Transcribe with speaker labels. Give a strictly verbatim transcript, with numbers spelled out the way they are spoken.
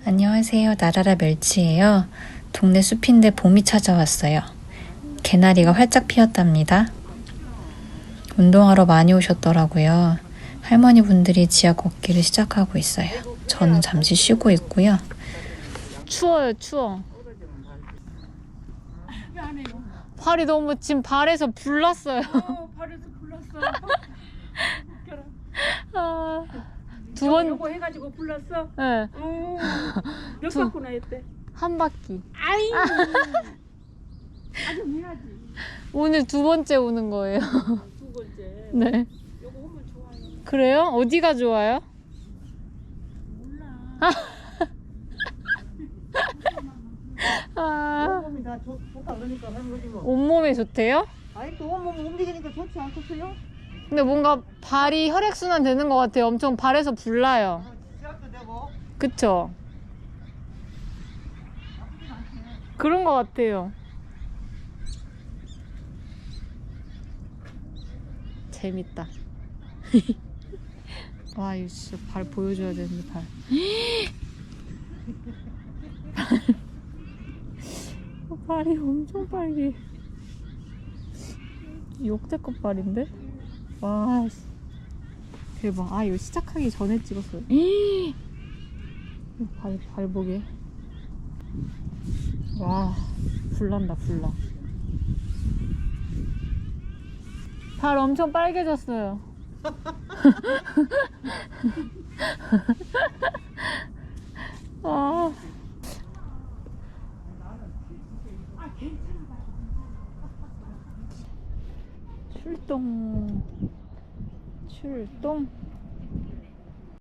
Speaker 1: 안녕하세요. 나라라 멸치예요. 동네 숲인데 봄이 찾아왔어요. 개나리가 활짝 피었답니다. 운동하러 많이 오셨더라고요. 할머니 분들이 지하 걷기를 시작하고 있어요. 저는 잠시 쉬고 있고요. 추워요, 추워. 발이 너무 지금 발에서 불났어요.
Speaker 2: 어, 발에서 불났어.
Speaker 1: 아, 두 번.
Speaker 2: 요거 해가지고 불났어.
Speaker 1: 네.
Speaker 2: 어, 몇
Speaker 1: 두-
Speaker 2: 바퀴나 했대?
Speaker 1: 한 바퀴.
Speaker 2: 아이. 아주 미안하지.
Speaker 1: 오늘 두 번째 오는 거예요.
Speaker 2: 두 번째.
Speaker 1: 네.
Speaker 2: 요거 오면 좋아요.
Speaker 1: 그래요? 어디가 좋아요?
Speaker 2: 몰라.
Speaker 1: 아,
Speaker 3: 온몸이 다 좋, 좋다 그러니까 하는 거지 뭐.
Speaker 1: 온몸에 좋대요?
Speaker 3: 아니 또 온몸 움직이니까 좋지 않겠어요?
Speaker 1: 근데 뭔가 발이 혈액순환 되는 것 같아요. 엄청 발에서 불나요.
Speaker 3: 시작도 되고.
Speaker 1: 그쵸? 그런 것 같아요. 재밌다. 와, 이거 진짜 발 보여줘야 되는데, 발. 발이 엄청 빨개. 역대급 발인데? 와, 씨. 대박. 아, 이거 시작하기 전에 찍었어요. 발, 발 보게. 와, 불난다, 불나. 발 엄청 빨개졌어요. 아. 출동. 출동.